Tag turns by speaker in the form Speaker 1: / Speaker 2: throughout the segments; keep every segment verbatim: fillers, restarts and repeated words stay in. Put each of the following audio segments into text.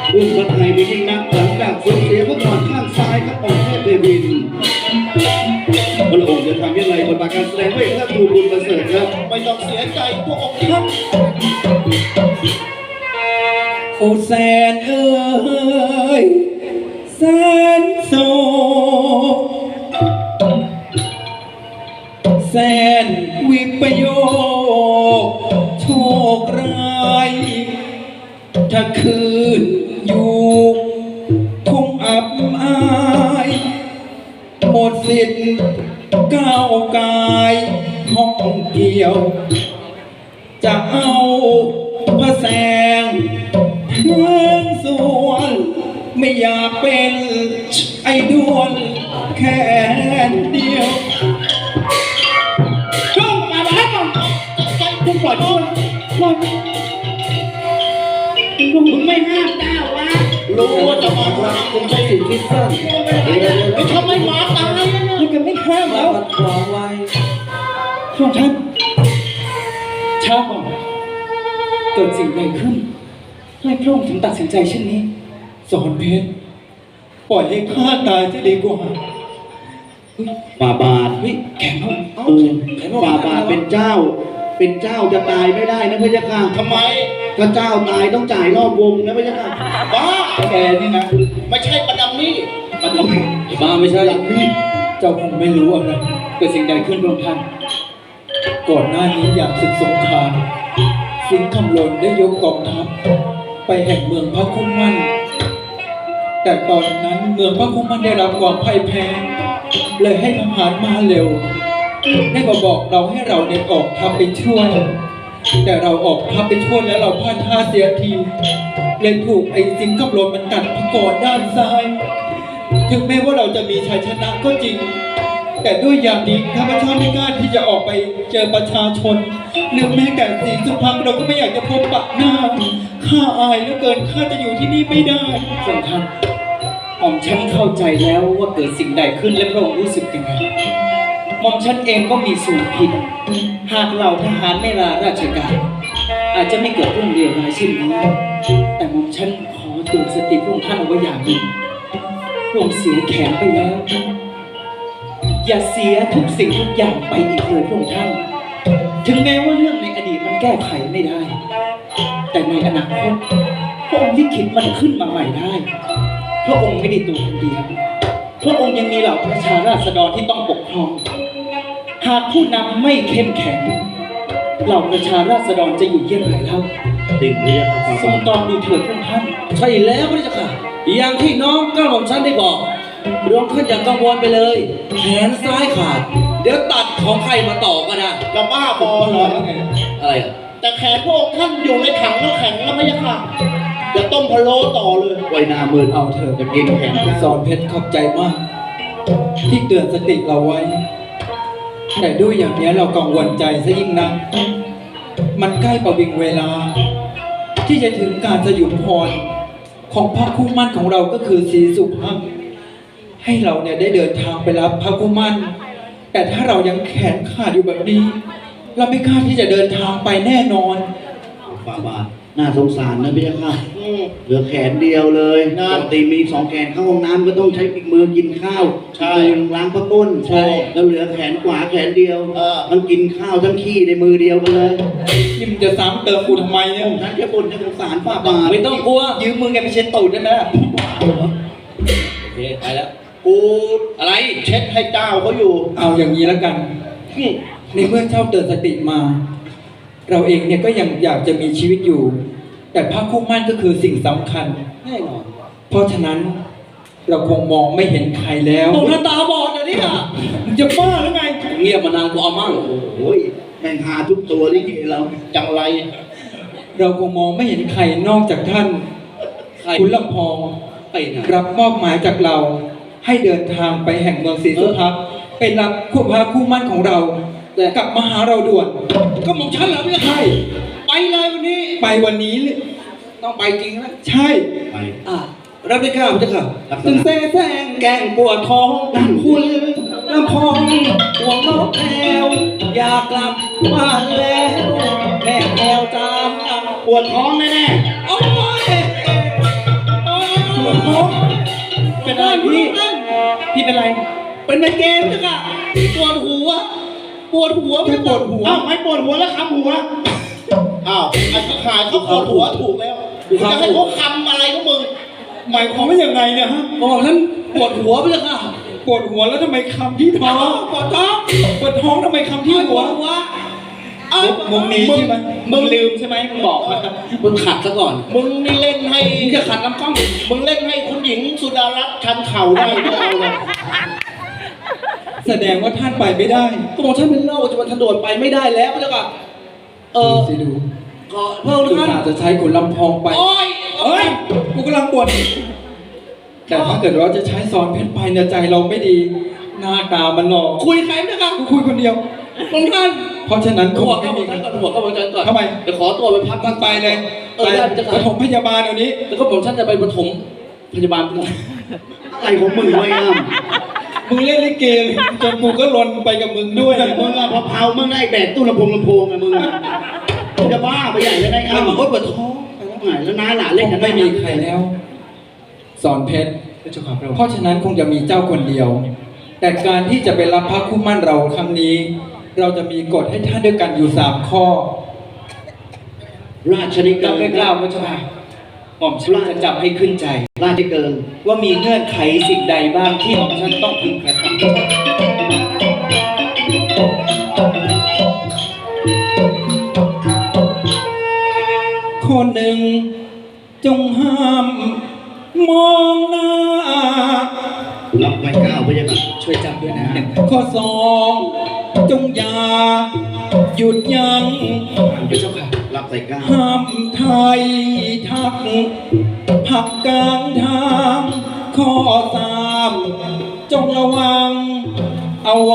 Speaker 1: รุ่งพระไทยมียิ่งนักหลังจากสูญเสียพระนอนข้างซ้ายครับองค์เทพเทวินพระองค์จะทำยังไงบทบาทการแสดงด้วยท่านครูบุญประเสริฐครับไม่ต้องเสียใจพระองค์ท่าน
Speaker 2: โอแสนเอ้ยแสนโศกแสนวิปโยคโชคร้ายถ้าคืนอยู่คงอับอายหมดสิทธิ์ก้าวกายห้องเกี่ยวจะเอาพระแสงเพื่อนส่วนไม่อยากเป็นไอ้ดวนแค่เดียวช่องมาบ้านใจคุณปล่อยมึงปล่อยมึงไม่ห้ามเจ้าวะ
Speaker 1: รู้ว่าจะมาว่าคุณใช้สิ่งที่สั้น
Speaker 2: ไม่ทำไมหมาตายมันก็ไม่ห้ามแล้ว
Speaker 1: คลองไว้
Speaker 2: ช่วงท่านช้าก่อนเกิดสิ่งใดขึ้นให้พระองค์ถึงตัดสินใจเช่นนี้สอนเพชรปล่อยให้ข้าตายจะดีกว่า
Speaker 1: ฝ่าบาท
Speaker 2: เฮ้ยแข็งเขา
Speaker 1: เออฝ่าบาทเป็นเจ้าเป็นเจ้าจะตายไม่ได้นะพระเจ้าค่ะ
Speaker 2: ทำไม
Speaker 1: ถ้าเจ้าตายต้องจ่ายรอบวงนะพระเจ้าค่ะ
Speaker 2: บ้าแกนี่นะไม่ใช่ประดำนี่
Speaker 1: ประดำบ้าไม่ใช่หลังนี่
Speaker 2: เจ้าคงไม่รู้อะไรเกิดสิ่งใดขึ้นพระท่านก่อนหน้านี้อยากศึกสงครามสิงห์คำลนได้ยกกองทัพไปแห่งเมืองพระคุ้มมั่นแต่ตอนนั้นเมืองพระคุ้มมั่นได้รับความพ่ายแพ้เลยให้ทหารมาเร็วได้มาบอกเราให้เราเนี่ยออกทัพไปช่วยแต่เราออกทัพไปช่วยแล้วเราพลาดท่าเสียทีเลยถูกไอ้สิงห์คำลนมันกัดพระกอดด้านซ้ายถึงแม้ว่าเราจะมีชัยชนะก็จริงแต่ด้วยอย่างนี้ข้าพเจ้าไม่กล้าที่จะออกไปเจอประชาชนหรือแม้แต่สีสุพรรณเราก็ไม่อยากจะพบปะหน้าข้าอายเหลือเกินข้าจะอยู่ที่นี่ไม่ได้สำคัญหม่อมฉันเข้าใจแล้วว่าเกิดสิ่งใดขึ้นและพระองค์รู้สึกยังไงหม่อมฉันเองก็มีส่วนผิดหากเราทหารไม่ลาราชการอาจจะไม่เกิดเรื่องเลวร้ายเช่นนี้แต่หม่อมฉันขอเตือนสติพระองค์ท่านเอาไว้อย่างหนึ่งพระองค์เสียแขนไปแล้วอย่าเสียทุกสิ่งทุกอย่างไปอีกเลยพระองค์ท่านถึงแม้ว่าเรื่องในอดีตมันแก้ไขไม่ได้แต่ในอนาคตพระองค์ลิขิตมันขึ้นมาใหม่ได้พระองค์ไม่ได้ตัวคนเดียวพระองค์ยังมีเหล่าประชาราษฎรที่ต้องปกครองหากผู้นำไม่เข้มแข็งเหล่าประชาราษฎรจะอยู่เยี่ยงไรเล่า
Speaker 1: ดิ่งเรียก
Speaker 2: ทรงตอนดูเถิดพระองค์ท่าน
Speaker 3: ใช่แล้วพระเจ้าค่ะอย่างที่น้องก้าวของฉันได้บอกรวมขึ้นอย่างกังวลไปเลยแขนซ้ายขาดเดี๋ยวตัดของใครมาต่อก็ได้
Speaker 2: เราบ้าบอเหรอ
Speaker 3: อะไรอ่ะ
Speaker 2: แต่แขนพวกท่านอยู่ในถังน้ำแข็งแล้วไม่ใช่ค่ะเดี๋ยวต้มพะโล้ต่อเลย
Speaker 1: ไว้นามือ
Speaker 2: เอาเถอะ
Speaker 1: จะกินแข็ง
Speaker 2: สอนเพชรขอบใจมากที่เตือนสติเราไว้แต่ด้วยอย่างนี้เรากังวลใจซะยิ่งนักมันใกล้ประวิงเวลาที่จะถึงการสยุมพรของพระคู่มั่นของเราก็คือศรีสุพรรณให้เราเนี่ยได้เดินทางไปรับพระคู่มั่นแต่ถ้าเรายังแขนขาดอยู่แบบนี้เราไม่กล้าที่จะเดินทางไปแน่นอน
Speaker 1: ฝ่าบาทน่าสงสารนะพี่ค่ะเหลือแขนเดียวเลยปกติมีสองแขนเข้าห้องน้ำก็ต้องใช้อีกมือกินข้าว
Speaker 2: ใช่
Speaker 1: ล้างพระก้น
Speaker 2: ใช่
Speaker 1: แล้วเหลือแขนขวาแขนเดียวมันกินข้าวทั้งขี้ในมือเดียวกันเลย
Speaker 2: นี่มึงจะซ้ำเติมกูทำไมเนี่ย
Speaker 1: ฉันแค่บ่นจะสงสารฝ่าบาท
Speaker 3: ไม่ต้องกลัว
Speaker 2: ยืมมือแกไปเช็ดตูดได้ไหมล่ะ
Speaker 3: โอเคไปแล้ว
Speaker 1: กู
Speaker 3: อะไร
Speaker 1: เช็ดให้เจ้าเขาอยู่
Speaker 2: เอาอย่างนี้แล้วกันในเมื่อเจ้าเตือนสติมาเราเองเนี่ยก็ยังอยากจะมีชีวิตอยู่แต่พระคู่มั่นก็คือสิ่งสำคัญ
Speaker 3: แน่นอน
Speaker 2: เพราะฉะนั้นเราคงมองไม่เห็นใครแล้ว
Speaker 3: ตกหน้าตาบอดเดี๋ยวนี้อ่ะ
Speaker 2: มึงจะบ้าหรือไง
Speaker 3: เงียบมานานกูเอามั่ง
Speaker 1: โอ้ยแม่งหาทุกตัวที่เราจังไร
Speaker 2: เราคงมองไม่เห็นใครนอกจากท่านคุณลำพอง
Speaker 3: ไป
Speaker 2: รับมอบหมายจากเราให้เดินทางไปแห่งเมืองศรีสุพรรณไปรับคู่พระคู่มั่นของเราแต่กลับมาหาเราด่วน
Speaker 3: ก็มองฉันเหรอพี่
Speaker 2: ใช่
Speaker 3: ไปเลยวันนี้
Speaker 2: ไปวันนี้
Speaker 3: ต้องไปจริงนะ
Speaker 2: ใช่
Speaker 1: ไป
Speaker 3: อ่ะรับได้ข้าวพี่ค่ะ
Speaker 2: ตึงแซ่แซงแกงปวดท้องนั่นคุณลำพองห่วงนกแก้วอยากกลับบ้านแล้วแม่แก้วจ้าปวดท้องแน่
Speaker 3: ๆโอ้ยไป
Speaker 2: หลวงพ่อเป็นอะไรพี่พี่เป็นไร
Speaker 3: เป็นไมเกรนจ้ะปวดหัวปวดหัว
Speaker 2: แค่ปวดหัว
Speaker 1: อ้าวไม่ปวดหัวแล้วคำหัว อ้าวไอ้ขายเขาปวดหัวถูกแล้วจะให้เขาคำอะไรก็มึง
Speaker 2: หมายความว่ายังไงเนี่ยฮะ
Speaker 3: บอกท่านปวดหัวไปเลยค่ะ
Speaker 2: ปวดหัวแล้วทำไมคำที่ท้องปวดท้องปวดท้องทำไมคำที่หัว
Speaker 3: หัว
Speaker 2: เอ้ามุมนี้ใช่ไหมมึงลืมใช่ไหมมึงบอกมา
Speaker 3: มึงขัดซะก่อน
Speaker 1: มึงนี่เล่นให้
Speaker 3: มึงจะขัดน้ำกล้อง
Speaker 1: มึงเล่นให้คุณหญิงสุดารัตน์ชันเข่าได้ไม่เอาเลย
Speaker 2: แสดงว่าท่านไปไม่ได้
Speaker 3: ก็บอกท่านเป็นโรคจะมาถนนไปไม่ได้แล้วเจ้าค่ะเออ
Speaker 2: สิดู
Speaker 3: ก็เพิ่ม
Speaker 2: คือ
Speaker 3: ท่าน
Speaker 2: อาจจะใช้ขุนลำพองไป
Speaker 3: โอ้ย
Speaker 2: เฮ้ย กูกำลังปวดแต่ถ้าเกิดว่าจะใช้ซ้อนเพชรไปเนี่ยใจเราไม่ดี หน้าตามันหลอก
Speaker 3: คุยใครเจ้าค่ะ
Speaker 2: กูคุยคนเดียว
Speaker 3: ตรงท่าน
Speaker 2: เพราะฉะนั้นค
Speaker 3: หั
Speaker 2: ง
Speaker 3: ว
Speaker 2: ไม่
Speaker 3: ก็บ
Speaker 2: มี
Speaker 3: อก
Speaker 2: ใคร
Speaker 3: ท่านก่อนหัวก็บอกท่านก่อน
Speaker 2: ทำไม
Speaker 3: เดี๋ยวขอตัวไปพัก
Speaker 2: มันไปเลย
Speaker 3: เออได้เจ้า
Speaker 2: ป
Speaker 3: ค่ะ
Speaker 2: ฐมพยาบาลเดี๋ยวนี้
Speaker 3: แล้วก็ผมท่านจะไปปฐมพยาบาลก่อน
Speaker 1: อะไรของมึงไว้อ้าม
Speaker 2: มึงเล่นลิเกจนกูก็ลนไปกับมึงด้วย
Speaker 1: แต่มึงอะพอเผามึงได้แบกตู้ลำโพงลำโพงอะมึงอะมึงจะบ้าไปใหญ่เลยได้
Speaker 3: อ้า
Speaker 1: อ้าว
Speaker 3: บอกว่าปวดท้อง
Speaker 1: ไหนแล้วน้าหลาน
Speaker 2: เล่
Speaker 1: เล่
Speaker 2: น
Speaker 1: น
Speaker 2: กั
Speaker 1: กัน น
Speaker 2: ไม่มีใครแล้ว สอนเพชร
Speaker 3: เจ้าค่ะพระองค์
Speaker 2: เพราะฉะนั้นคงจะมีเจ้าคนเดียว แต่การที่จะไปรับพระคู่มั่นเราครั้งนี้ เราจะมีกฎให้ท่านด้วยกันอยู่สามข้อ
Speaker 1: ราชนิเกิ
Speaker 3: เรา
Speaker 1: น
Speaker 3: ไม่กล้าพระเจ้าค่ะหม่อมฉันจะจับให้ขึ้นใจ
Speaker 1: ราชนิเกิน
Speaker 3: ว่ามีเงื่อนไขสิ่งใดบ้างที่หม่อมฉันต้องพึงกระทำ
Speaker 2: ข้อหนึ่งจงห้ามมองหน้า
Speaker 1: รับไม่ก้าวไปยังไง
Speaker 3: ช่วยจับด้วยนะ
Speaker 2: ข้อสองจงอย่าหยุดยัง้ง
Speaker 3: เดี๋ยวเจ้าค่ะ
Speaker 1: รับใส่ก้าว
Speaker 2: ห้ามไทยทักผักกลางทางข้อสามจงระวังเอาไว้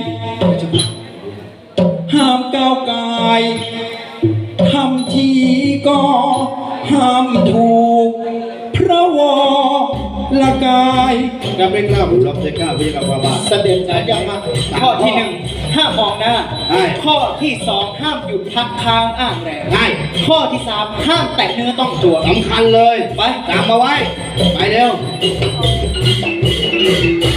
Speaker 2: ห้ามก้าวกายทำทีก็ห้ามถูกพระวรกาย
Speaker 1: รับไม่กล้าผมรับใส่ก้าวไปยังไงว่าบ้า
Speaker 2: เสด็จสายยังมาข้อที่หนึ่งห้ามมองหน้า
Speaker 1: ใช่
Speaker 2: ข้อที่สองห้ามหยุดพักค้างอ้างแรง
Speaker 1: ได้
Speaker 2: ข้อที่สามห้ามแตะเนื้อต้องตัว
Speaker 1: สำคัญเลย
Speaker 2: ไป
Speaker 1: จำมาไว้ ไปเร็ว